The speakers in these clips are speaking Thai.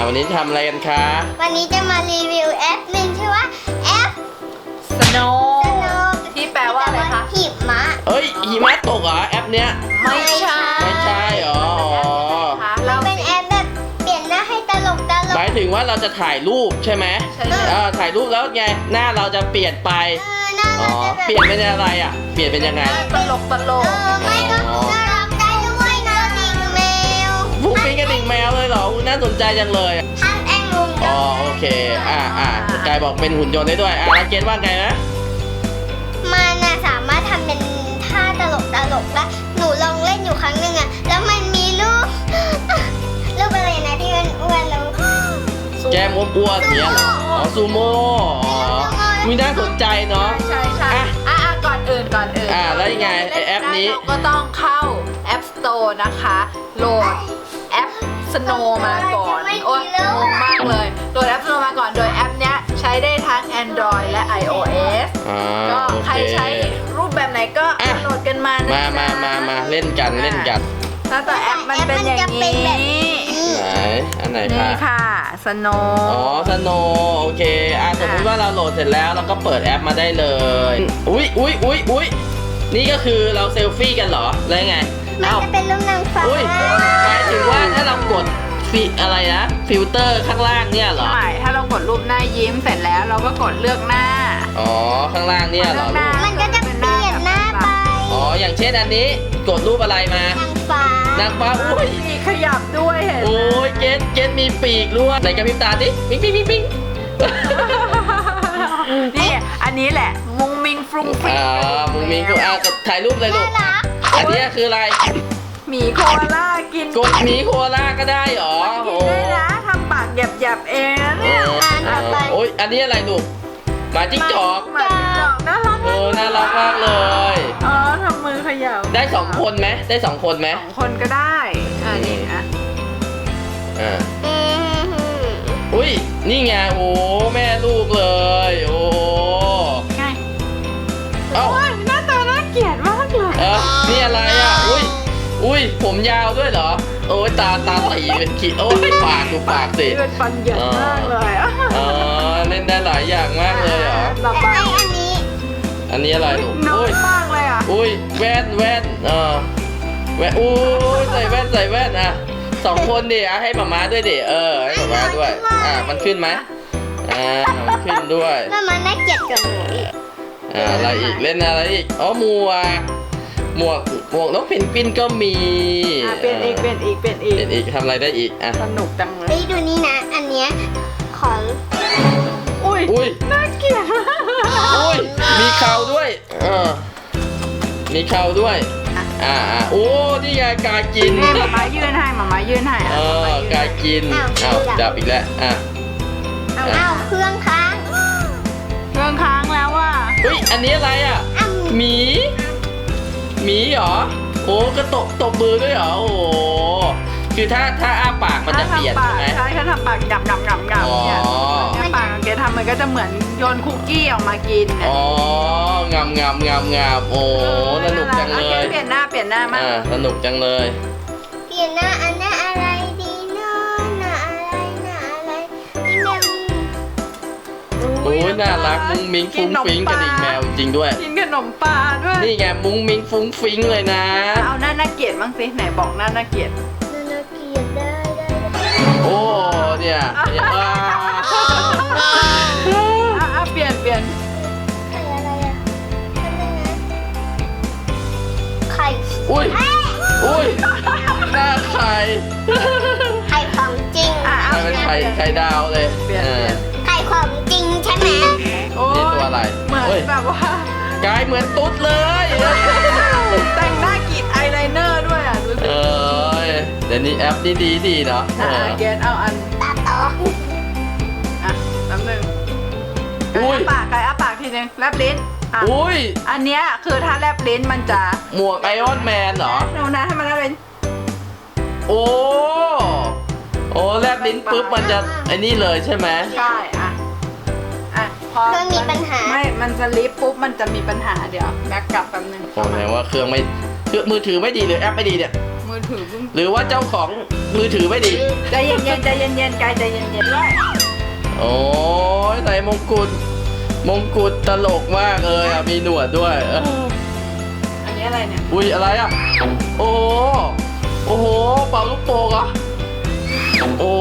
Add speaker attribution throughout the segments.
Speaker 1: วันนี้ทำอะไรกันคะ
Speaker 2: วันนี้จะมารีวิวแอปหนึ่งชื่อว่าแอป
Speaker 3: Snow
Speaker 2: Snow
Speaker 3: ที่แปลว่าอะไรคะ
Speaker 2: หิมะ
Speaker 1: เอ้ยหิมะตกเหรอแอปเนี้ย
Speaker 3: ไม่ใช่
Speaker 1: ไม่ใช่เหรออ๋อ
Speaker 2: มันเป็นแอปแบบเปลี่ยนหน้าให้ตลก
Speaker 1: หมายถึงว่าเราจะถ่ายรูปใช่ไหม
Speaker 3: ใช่เลย
Speaker 1: ถ่ายรูปแล้วไงหน้าเราจะเปลี่ยนไป
Speaker 2: หน้า
Speaker 1: อ๋อ
Speaker 2: เราจะแบบ
Speaker 1: เปลี่ยนเป็นอะไรอ่ะเปลี่ยนเป็นยังไง
Speaker 3: ตลก
Speaker 2: ไม่ก็น่ารักได้ด้วยนะดิ่งแมว
Speaker 1: ฟุ้งฟิ้งกระดิ่งแมวเลยเหรอน่าสนใจจังเลย
Speaker 2: ท่านแองลุง
Speaker 1: อ๋อโอเคกายบอกเป็นหุ่นยนต์ได้ด้วยแล้วเกณฑ์ว่าไงนะ
Speaker 2: มันน่ะสามารถทำเป็นท่าตลกแล้วหนูลองเล่นอยู่ครั้งหนึ่งอะแล้วมันมีรูป รูปอะไรนะที่มันอ้วนแล้ว
Speaker 1: แก้มอ้วนๆเนี้ยเหรออ๋อซูโม่อ๋อมีน่าสนใจเนาะ
Speaker 3: ใช่ก่อนอื่น
Speaker 1: แล้วยังไงไอ้แอปนี้
Speaker 3: เราก็ต้องเข้า App Store นะคะโหลดแอป Snow มาก่อนโอ๊ยงงมากเลยโหลดแอป Snow มาก่อนโดยแอปเนี้ยใช้ได้ทั้ง Android และ iOS ก็
Speaker 1: โอ
Speaker 3: ใคร
Speaker 1: เค
Speaker 3: ใช้รูปแบบไหนก็โหลดกันมานะ
Speaker 1: มาเล่นกัน
Speaker 3: หน้าตาแอปมันเป็นอย่างนี้
Speaker 1: ไหนอันไหนคะ
Speaker 3: นี่ค่ะ Snow
Speaker 1: อ๋อสโนโอเคสมมติว่าเราโหลดเสร็จแล้วเราก็เปิดแอปมาได้เลยอุ๊ยนี่ก็คือเราเซลฟี่กันเหรอแล้วไง
Speaker 2: มันจะเป็นรูปนางฟ้า
Speaker 1: อุ้ยหมายถึงว่าถ้าเรากดอะไรนะฟิลเตอร์ข้างล่างเนี่ยเหรอ
Speaker 3: ใช่ถ้าเรากดรูปหน้ายิ้มเสร็จแล้วเราก็กดเลือกหน้า
Speaker 1: อ๋อข้างล่างเนี่ยเหรอ
Speaker 2: มันก็จะเปลี่ยนหน้าไป
Speaker 1: อ๋ออย่างเช่นอันนี้กดรูปอะไรมาน
Speaker 2: างฟ้าน
Speaker 1: างฟ้าอุ้ย
Speaker 3: มีขยับด้วยเห็นไหม
Speaker 1: โอ้ยเกตมีปีกด้วยไหนกระพริบตาดิปิ๊ง
Speaker 3: นี่อันนี้แหละมุงมิงฟรุงฟริง
Speaker 1: มุงมิงกูถ่ายรูปเลยลู
Speaker 2: น่าก รัก
Speaker 1: อันนี้คืออะไร
Speaker 3: หมีโคอาล่ากิน
Speaker 1: กดหมีโคอาล่าก็ได้เหรอ
Speaker 3: กินได้นะทำปากหยับๆเองนะเนี่ย
Speaker 1: โอ้ยอันนี้อะไรลูกหมาจิ้งจอก
Speaker 3: หมาจิ้งจอกน่ารัก
Speaker 1: น่ารักมากเลย
Speaker 3: อ๋อทำมือขยับ
Speaker 1: ได้2 คนไหมได้2 คนไหม
Speaker 3: 2 คนก็ได้นี่อ่ะ
Speaker 1: อุ้ยนี่ไงโอ้แม่ลูกเลยโอ้
Speaker 3: ง่าย
Speaker 1: เอ้า
Speaker 3: โอ้ยหน้าตาน่าเกลียดมากเลย
Speaker 1: นี่อะไรอ่ะอุ้ยผมยาวด้วยเหรอโอ้ยตาตีเป็นขีดโอ้ยปากดูปากสิ
Speaker 3: เป็นฟันเหยินมากเลย
Speaker 1: อ๋อเล่นได้หลายอย่างมากเลยเหรอ
Speaker 3: ต่อไป
Speaker 2: ไออันนี้
Speaker 1: อันนี้อะไรลูก
Speaker 3: น้อ
Speaker 1: อุ้
Speaker 3: ย
Speaker 1: ย
Speaker 3: มากเลยอ่ะ
Speaker 1: อุ้ยแว่นแว่นอุ้ยใส่แว่น2 คนดิให้หมาด้วยดิให้หมาด้วยมันขึ้นไหมมันขึ้นด้วย
Speaker 2: มันน่าเกลียดกับหนูอีก
Speaker 1: อะไรอีกเล่นอะไรอีกอ๋อหมวกนกเพนกวินก็มี
Speaker 3: เปลี่ยนอีก
Speaker 1: เปลี่ยนอีกทำอะไรได้อีก
Speaker 3: สนุกจังเลย
Speaker 2: ไปดูนี่นะ อันเนี้ยของ
Speaker 1: อุ้ย
Speaker 3: น่าเกลียด
Speaker 1: อุ้ยมีเข่าด้วยมีเข่าด้วยโอ้นี่ไงกากิน
Speaker 3: นี่หมายื่นให้
Speaker 1: กากินจับอีกแล้ว
Speaker 2: เอาเครื่องค้าง
Speaker 3: เครื่องค้างแล้วว่า
Speaker 1: เฮ้ยอันนี้อะไรอ่ะหมีเหรอโอ้ก็ตบมือด้วยเหรอโอ้คือถ้าอ้าปากมันจะเปลี่ยนใช่ไหม
Speaker 3: ใช่ถ้าทำปากงับเนี่ยถ้าปากแกทำมันก็จะเหมือนโยนคุกกี้ออกมากิน
Speaker 1: อ๋องามโอ้สนุกจังเลย
Speaker 3: เปลี่ยนหน้ามา
Speaker 1: สนุกจังเลย
Speaker 2: เปลี่ยนหน้าอันหน้าอะไรดีเนาะหน้าอะไรนี่แมว
Speaker 1: โอ้ยน่ารักมุ้งมิ้งฟุ้งฟิ้งกระดิ่งแมวจริงด้วย
Speaker 3: กินขนมปลาด้วย
Speaker 1: นี่ไงมุ้งมิ้งฟุ้งฟิ้งเลยนะ
Speaker 3: เอาหน้าน่าเกลียดบ้างสิไหนบอกหน้าน่าเกลียด
Speaker 2: น่าเกลียดได้
Speaker 1: โอ้เนี่ย
Speaker 3: เปลี่ยน
Speaker 2: ไข่อะไรอ่ะไข่
Speaker 1: อุ้ยหน้าไข่
Speaker 2: ไข่ของจริง
Speaker 1: เป็นไข่ดาวเลย
Speaker 2: ไข่ของจริงใช่ไหม
Speaker 1: นี่ตัวอะไร
Speaker 3: เหมือนแบบว่าก
Speaker 1: ายเหมือนตุ๊ดเลย
Speaker 3: แต่งหน้ากรีดอายไลเนอร์ด้วยดูสิ
Speaker 1: เดี๋ยวนี้แอปนี่ดีเนาะ
Speaker 3: เกณฑ์เอาอัน
Speaker 2: ตาโต
Speaker 3: แป๊บนึงไก่อ้าปากทีนึงแลบลิ้น
Speaker 1: อุ้ย
Speaker 3: อันเนี้ยคือถ้าแลบลิ้นมันจะ
Speaker 1: หมวกไอออนแมนเหรอ
Speaker 3: ดูนะให้มันแลบลิ้น
Speaker 1: โอ้แลบลิ้นปุ๊บมันจะไอ้นี่เลยใช่ไหม
Speaker 3: ใช่พอ
Speaker 2: เครื่องมีปัญหา
Speaker 3: ไม่มันจะลิฟต์ปุ๊บมันจะมีปัญหาเดี๋ยวแบ็กกลับแป๊บนึง
Speaker 1: โอ้แสดงว่าเครื่องมือถือไม่ดีหรือแอปไม่ดีเนี่ย
Speaker 3: มือ
Speaker 1: หรือว่าเจ้าของมือถือไม่ดี
Speaker 3: ใจเย็นๆใจเย็นๆกายใจเย็นๆด้วย
Speaker 1: โอ้ยใส่มงกุฎตลกมากเลยอ่ะมีหนวดด้วย
Speaker 3: อันนี้อะไรเนี่ย
Speaker 1: อุ้ยอะไรอ่ะโอ้โหโอ้โหเป่าลูกโป่งเหรอโอ้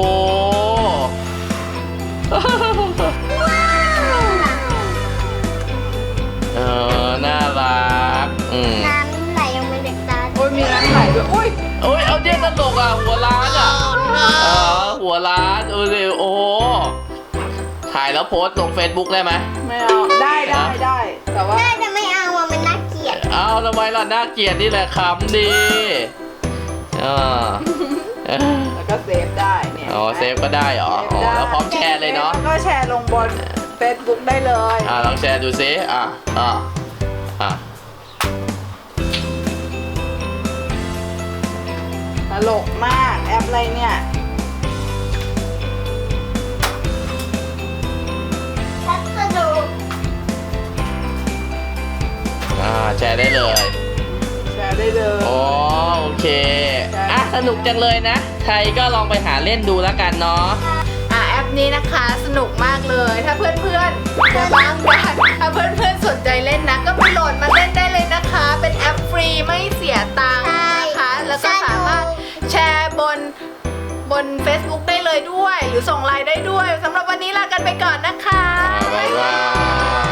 Speaker 1: น่ารัก
Speaker 2: น้ำไหลออกมาจากตา
Speaker 3: โอ้ยมีน้ำไหลด้วยอุ้ย
Speaker 1: โอ้ยเอาเนี่ยตลกอ่ะหัวล้านอ่ะหัวล้านโอ้โหถ่ายแล้วโพสต์ลง Facebook ได้ไหม
Speaker 3: ไม่เอาได้แต่ว่า
Speaker 2: ได้แต่ไม่เอาอ่ะมันน่าเกลียด
Speaker 1: เอาทำไมล่ะน่าเกลียดนี่แหละคำดี
Speaker 3: แล้วก็เซฟได้เนี่ย
Speaker 1: อ๋อเซฟก็ได้เหรออ๋อแล้วพร้อมแชร์เลยเนาะ
Speaker 3: ก็แชร์ลงบน Facebook ได้เลย
Speaker 1: ลองแชร์ดูซิ
Speaker 3: ตลกมากแอปอะไรเนี่ย
Speaker 2: พัสดุ
Speaker 1: แชร์ได้เลย
Speaker 3: แชร์ได้เลย
Speaker 1: อ๋อโอเคสนุกจังเลยนะใครก็ลองไปหาเล่นดูแล้วกันเนาะ
Speaker 3: แอปนี้นะคะสนุกมากเลยถ้าเพื่อนๆจะบ้างกันถ้าเพื่อนๆสนใจเล่นนะก็ไปโหลดมาเล่นได้เลยนะคะ เป็นแอปฟรีไม่เสียตังค์นะคะแล้วก็สามารถแชร์บน Facebook ได้เลยด้วยหรือส่งไลน์ได้ด้วยสำหรับวันนี้ลากันไปก่อนนะคะ
Speaker 1: บ๊ายบาย